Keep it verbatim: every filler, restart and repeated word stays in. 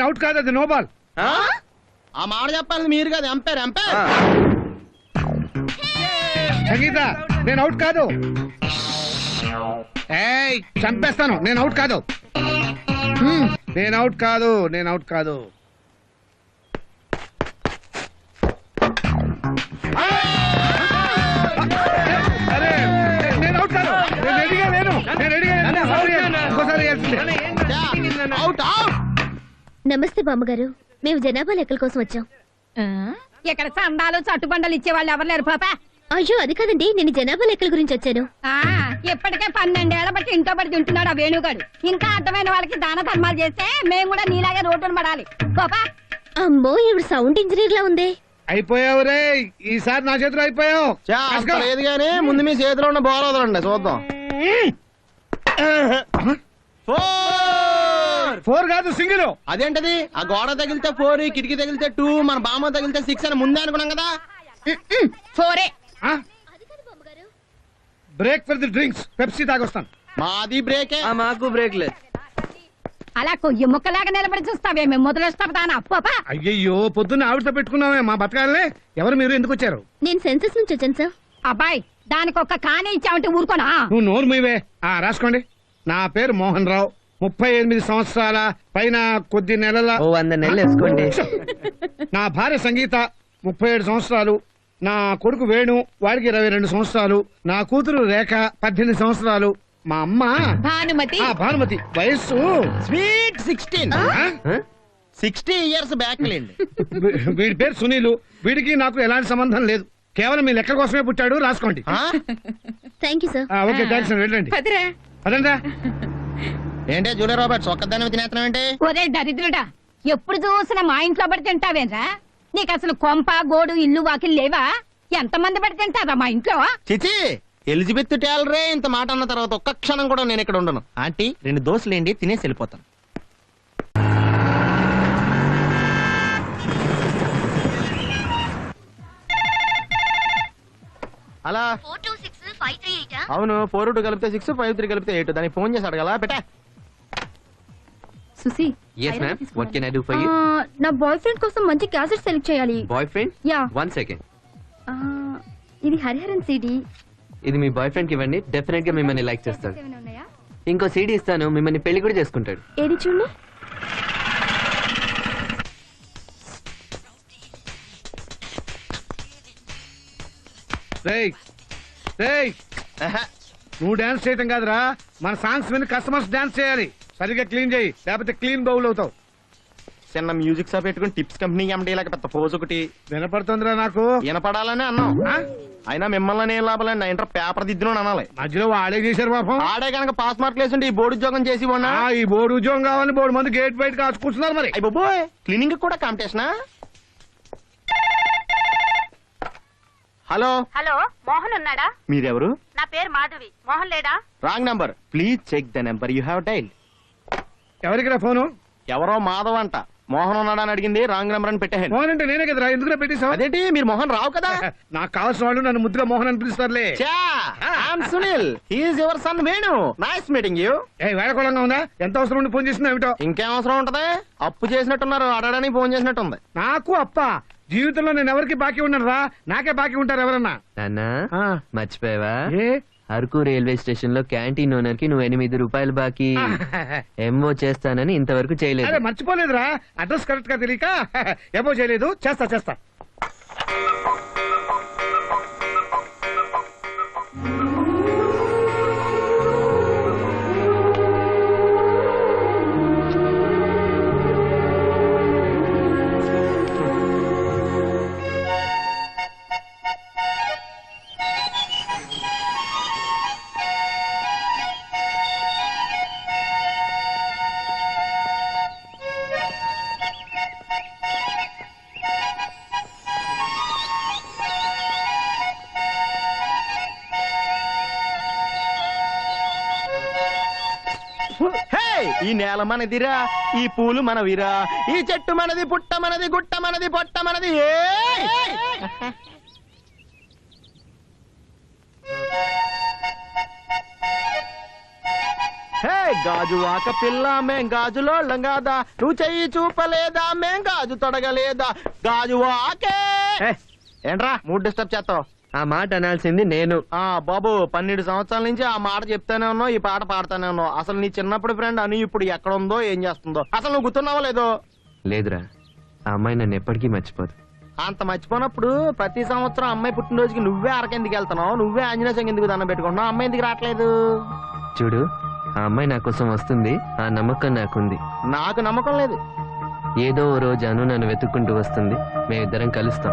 Out కాదు, అది no ball. ఆ మాట చెప్పాలి మీరు కదా, ఎంపైర్ ఎంపైర్. సంగీత నేను అవుట్ కాదు. ఏయ్ చంపేస్తాను, నేను అవుట్ కాదు. నేను అవుట్ కాదు, నేను అవుట్ కాదు. అరే నేను అవుట్ కాదు, నేను రెడీగా లేను, నేను రెడీగా లేను. ఇంకోసారి అవుట్ అవుట్. నమస్తే బామ్మగారు, మేము జనాభా లెక్కల కోసం వచ్చాం. ఇక్కడ చందాలు చట్టుబండలు ఇచ్చే వాళ్ళు ఎవరు లేరు పాప. అయ్యో అది కాదండి, నేను జనాభా లెక్కల గురించి వచ్చాను. ఇప్పటికే పన్నెండేళ్ల బట్టి ఇంట్లో పడి తింటున్నాడు ఆ వేణుగాడు. ఇంకా అర్థమైన వాళ్ళకి దాన ధర్మాలు చేస్తే మేము కూడా నీలాగే రోడ్డును పడాలి. పాపా అమ్మో ఇవి సౌండ్ ఇంజనీర్ లా ఉంది. అయిపోయావు రే, ఈసారి నా చేతిలో అయిపోయావు. లేదు కానీ ముందు మీ చేతిలో ఉన్న బాల్ వదలండి చూద్దాం. ఫోర్ కాదు సింగిల్. అదేంటది? ఆ గోడ తగిలితే ఫోర్, కిటికీ తగిలితే టూ, మన బామ్మ తగిలితే సిక్స్ అని ముందే అనుకున్నాం కదా. ఫోరే. Break for the drinks, Pepsi తాగొస్తాను. మాది బ్రేకే. మాకు బ్రేక్ లేదు. అలా కొయ్యి ముక్కలాగా నిలబడి చూస్తావే, మేము మొదలొస్తాం. పాపా అయ్యయ్యో పొద్దున్న ఆవిడతో పెట్టుకున్నామే మా బతకాలనే. ఎవరు మీరు, ఎందుకు వచ్చారు? నేను సెన్సస్ నుంచి వచ్చాను సార్. అబ్బాయి దానికి ఒక్క కానే ఇచ్చావంటే ఊరుకోనా? నువ్వు నోరు మీవే. ఆ రాసుకోండి. నా పేరు మోహన్ రావు, ముప్పై ఎనిమిది సంవత్సరాల పైన కొద్ది నెలల. ఓ వంద నెలలు వేసుకోండి. నా భార్య సంగీత, ముప్పై ఏడు సంవత్సరాలు. నా కొడుకు వేణు, వాడికి ఇరవై రెండు సంవత్సరాలు. నా కూతురు రేఖ, పద్దెనిమిది సంవత్సరాలు. మా అమ్మ భానుమతి. ఆ భానుమతి వయస్సు sweet sixteen. Sixty years back లేండి. వీడి పేరు సునీలు. వీడికి నాకు ఎలాంటి సంబంధం లేదు, కేవలం మీ లెక్క కోసమే పుట్టాడు. రాసుకోండి. Thank you sir. Okay thanks. వెళ్ళండి అదంతా. ఏంటే జూలియా రాబర్ట్స్ ఒక్కదాన్ని తినేస్తున్నావు ఏంటి? ఒరే దరిద్రుడా, ఎప్పుడు చూసినా మా ఇంట్లో పడి తింటావేరా? నీకు అసలు కొంప గోడు ఇల్లు వాకిలు లేవా? ఎంతమంది పడి తింటారా మా ఇంట్లో? చిచి, ఎలిజబెత్ టేలరే ఇంత మాట అన్న తర్వాత ఒక్క క్షణం కూడా నేను ఇక్కడ ఉండను. ఆంటీ రెండు దోశలేండి, తినేసి వెళ్ళిపోతాను. అలా అవును, ఫోర్ టూ కలిపితే సిక్స్, ఫైవ్ త్రీ కలిపితే ఎయిట్. దానికి ఫోన్ చేసి అడగలా పెట్టా. Susi, yes ma'am, what can I do for you? నా బాయ్ ఫ్రెండ్ కోసం మంచి క్యాసెట్ సెలెక్ట్ చేయాలి. Boy friend? Yeah. One second. ఇది హరిహరన్ సీడీ. ఇది మీ బాయ్ ఫ్రెండ్ కి ఇవ్వండి, డెఫినెట్ గా మిమ్మల్ని లైక్ చేస్తాడు. ఇంకో సీడీ ఇస్తాను, మిమ్మల్ని పెళ్లి కూడా చేసుకుంటాడు. ఏది చూడండి. రేయ్ రేయ్, నువ్వు డాన్స్ చేయటం కాదురా, మన సాంగ్స్ మీద కస్టమర్స్ డాన్స్ చేయాలి. సరిగ్గా క్లీన్ చేయి, లేకపోతే క్లీన్ బౌల్ అవుతావు. చిన్న మ్యూజిక్ షాప్ పెట్టుకుని టిప్స్ కంపెనీ ఎండి లాగా పెద్ద పోజ్ ఒకటి వినపడుతుందిరా నాకు. వినపడాలని అన్నాం. అయినా మిమ్మల్ని ఏం లాభాలని నా ఇంటర్ పేపర్ దిద్దును అనాలి. మధ్యలో వాడే చేశారు పాపం. ఆడే కనుక పాస్ మార్కులు వేసుంటే ఈ బోర్డు ఉద్యోగం చేసి ఉన్నా. ఈ బోర్డు ఉద్యోగం కావాలని బోర్డు మంది గేట్ బయట కాచుకుంటున్నారు మరి. బాబోయ్, క్లీనింగ్ కూడా కాంపిటీషనా? హలో హలో, మోహన్ ఉన్నాడా? మీరెవరు? నా పేరు మాధవి. మోహన్ లేడా? Wrong number, please check the number you have dialled. ఎవరికిరా ఫోను? ఎవరో మాధవ్ అంట. మోహన్ ఉన్నాడా అని అడిగింది, రాంగ్ నెంబర్ అని పెట్టాను. మోహన్ అంటే నేనే కదరా, ఎందుకు పెట్టేశావు? అదేంటి, మీరు మోహన్ రావు కదా? నాకు కావాల్సిన వాళ్ళు నన్ను ముద్దుగా మోహన్ అని పిలుస్తారులే. Sunil, he's your son Venu. Nice meeting you. ఏ వేళకోళంగా ఉందా? ఎంత అవసరం ఉండి ఫోన్ చేసింది ఏమిటో? ఇంకేం అవసరం ఉంటది? అప్పు చేసినట్టున్నారు, అడగడానికి ఫోన్ చేసినట్టుంది. నాకు అప్ప జీవితంలో నేను ఎవరికి బాకీ ఉన్నాను రా, నాకే బాకీ ఉంటారు ఎవరన్నా. నాన్నా మర్చిపోయావా? ఏ అరకు రైల్వే స్టేషన్ లో క్యాంటీన్ ఓనర్ కి నువ్వు ఎనిమిది రూపాయలు బాకీ ఎంఓ చేస్తానని ఇంతవరకు చేయలేదు. మర్చిపోలేదురా, అడ్రస్ కరెక్ట్ గా తెలియక ఏమో చేయలేదు. చేస్తా చేస్తా. ఈ నేల మనదిరా, ఈ పూలు మనవిరా, ఈ చెట్టు మనది, పుట్ట మనది, గుట్ట మనది, పొట్ట మనది. హే గాజు వాక పిల్ల మేం గాజులోళ్ళం కాదా, నువ్వు చెయ్యి చూపలేదా మేం గాజు తొడగలేదా, గాజు వాకే. ఏ, ఏంట్రా మూడ్ డిస్టర్బ్ చేస్తావు? ఆ మాట అనాల్సింది నేను. ఆ బాబు పన్నెండు సంవత్సరాల నుంచి ఆ మాట చెప్తానే ఉన్నావు, ఈ పాట పాడుతానే ఉన్నావు. అసలు నీ చిన్నప్పుడు ఫ్రెండ్ అని ఇప్పుడు ఎక్కడ ఉందో ఏం చేస్తుందో అసలు నువ్వు గుర్తున్నావో లేదో? లేదురా, ఆ అమ్మాయి నన్ను ఎప్పటికీ మర్చిపోదు. అంత మర్చిపోయినప్పుడు ప్రతి సంవత్సరం అమ్మాయి పుట్టినరోజుకి నువ్వే అరకెందుకు వెళ్తున్నావు, నువ్వే ఆంజనేయ స్వామి ఎందుకు దండం పెట్టుకుంటున్నావు, అమ్మాయి ఎందుకు రావట్లేదు? చూడు, ఆ అమ్మాయి నా కోసం వస్తుంది, ఆ నమ్మకం నాకుంది. నాకు నమ్మకం లేదు. ఏదో ఓ రోజు అను నన్ను వెతుక్కుంటూ వస్తుంది, మేమిద్దరం కలుస్తాం.